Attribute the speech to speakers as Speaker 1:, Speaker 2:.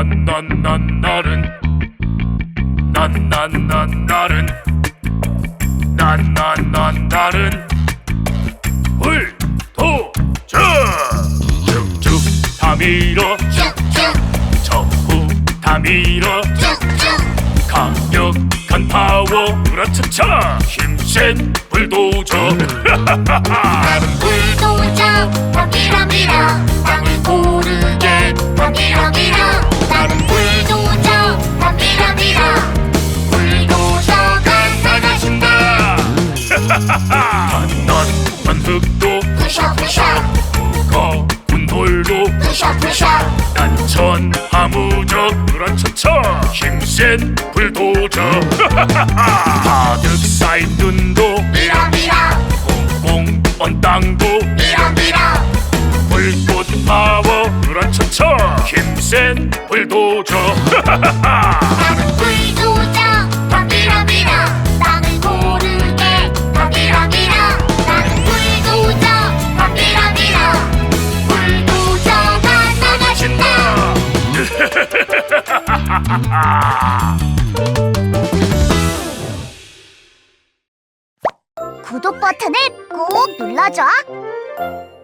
Speaker 1: 난난난난날은 난난난날은 난난난날은 불도저 쭉쭉 다 밀어
Speaker 2: 쭉쭉
Speaker 1: 전부 다 밀어
Speaker 2: 쭉쭉
Speaker 1: 강력한 파워 으라차차 힘센 불도저
Speaker 2: 나는 불도저 다 밀어 땅을 고르게 다 밀어 나는 불도저 다 밀어 불도저가 나가신다
Speaker 1: 단단한 흙도
Speaker 2: 부셔
Speaker 1: 무거운 돌도
Speaker 2: 부셔
Speaker 1: 난천 하무적 으라차차 힘센 불도저 가득 쌓인 눈도
Speaker 2: 밀어
Speaker 1: 꽁꽁 언 땅도
Speaker 2: 밀어
Speaker 1: 불꽃 파워 으라차차 힘센 불도저
Speaker 2: 나는 불도저 다 밀어 땅을 고르게 다 밀어 나는 불도저 다 밀어 불도저가 나가신다
Speaker 3: 구독 버튼을 꼭 눌러줘.